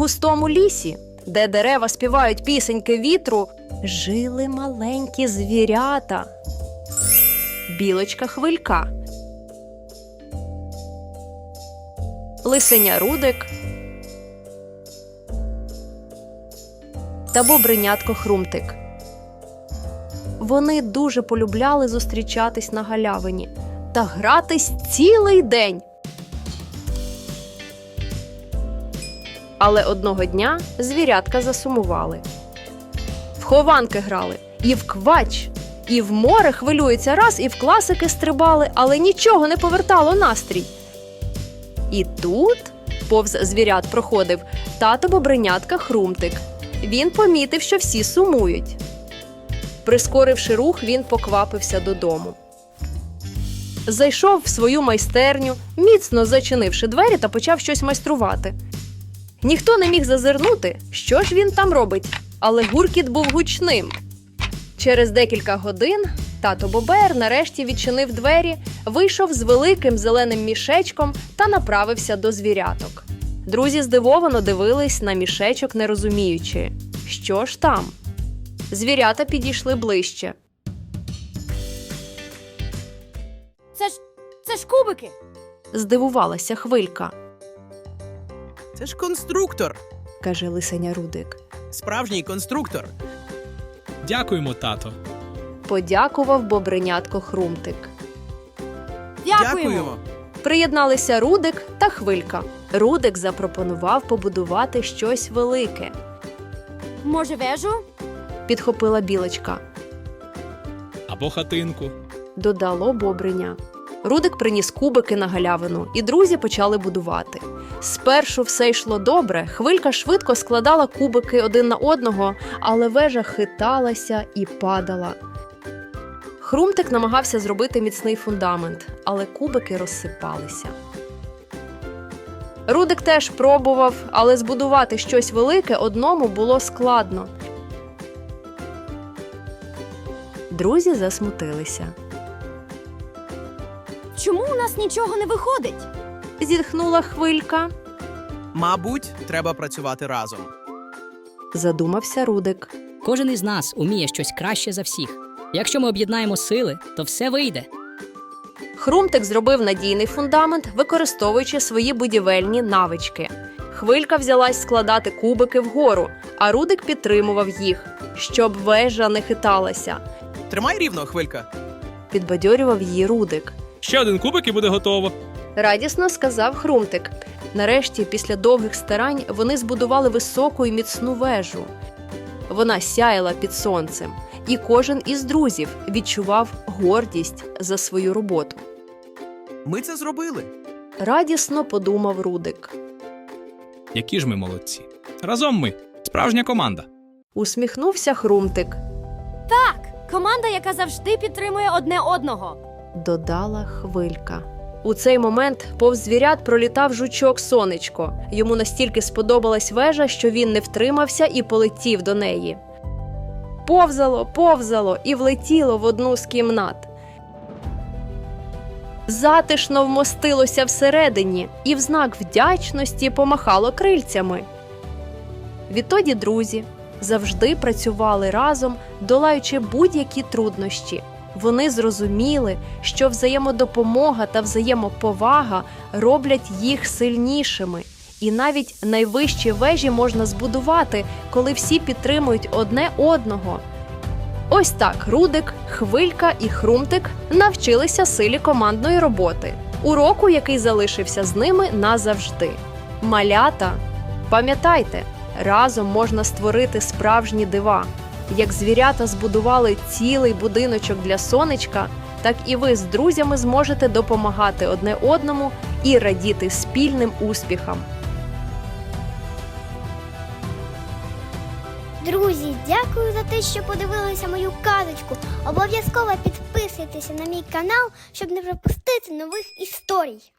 густому лісі, де дерева співають пісеньки вітру, жили маленькі звірята. Білочка Хвилька, лисеня Рудик та бобринятко Хрумтик. Вони дуже полюбляли зустрічатись на галявині та гратись цілий день. Але одного дня звірятка засумували. В хованки грали, і в квач, і в море хвилюється раз, і в класики стрибали, але нічого не повертало настрій. І тут повз звірят проходив тато бобринятка Хрумтик. Він помітив, що всі сумують. Прискоривши рух, він поквапився додому. Зайшов в свою майстерню, міцно зачинивши двері та почав щось майструвати. Ніхто не міг зазирнути, що ж він там робить, але гуркіт був гучним. Через декілька годин тато Бобер нарешті відчинив двері, вийшов з великим зеленим мішечком та направився до звіряток. Друзі здивовано дивились на мішечок, не розуміючи, що ж там. Звірята підійшли ближче. Це ж кубики. Здивувалася Хвилька, Це ж конструктор. каже лисеня Рудик. Справжній конструктор. Дякуємо, тато. Подякував бобринятко Хрумтик. Дякуємо. Приєдналися Рудик та Хвилька. Рудик запропонував побудувати щось велике. Може, вежу? Підхопила Білочка. Або хатинку. Додало Бобриня. Рудик приніс кубики на галявину, і друзі почали будувати. Спершу все йшло добре, Хвилька швидко складала кубики один на одного, але вежа хиталася і падала. Хрумтик намагався зробити міцний фундамент, але кубики розсипалися. Рудик теж пробував, але збудувати щось велике одному було складно. Друзі засмутилися. Чому у нас нічого не виходить? Зітхнула Хвилька. Мабуть, треба працювати разом. Задумався Рудик. Кожен із нас уміє щось краще за всіх. Якщо ми об'єднаємо сили, то все вийде. Хрумтик зробив надійний фундамент, використовуючи свої будівельні навички. Хвилька взялась складати кубики вгору, а Рудик підтримував їх, щоб вежа не хиталася. Тримай рівно, Хвилька. Підбадьорював її Рудик. Ще один кубик і буде готово. Радісно сказав Хрумтик. Нарешті, після довгих старань, вони збудували високу і міцну вежу. Вона сяяла під сонцем, і кожен із друзів відчував гордість за свою роботу. Ми це зробили. Радісно подумав Рудик. Які ж ми молодці. Разом ми. Справжня команда. Усміхнувся Хрумтик. Так, команда, яка завжди підтримує одне одного. Додала Хвилька. У цей момент повз звірят пролітав жучок Сонечко. Йому настільки сподобалась вежа, що він не втримався і полетів до неї. Повзало і влетіло в одну з кімнат. Затишно вмостилося всередині і в знак вдячності помахало крильцями. Відтоді друзі завжди працювали разом, долаючи будь-які труднощі. Вони зрозуміли, що взаємодопомога та взаємоповага роблять їх сильнішими. І навіть найвищі вежі можна збудувати, коли всі підтримують одне одного. Ось так Рудик, Хвилька і Хрумтик навчилися силі командної роботи. Уроку, який залишився з ними назавжди. Малята, пам'ятайте, разом можна створити справжні дива. Як звірята збудували цілий будиночок для сонечка, так і ви з друзями зможете допомагати одне одному і радіти спільним успіхам. Друзі, дякую за те, що подивилися мою казочку. Обов'язково підписуйтеся на мій канал, щоб не пропустити нових історій.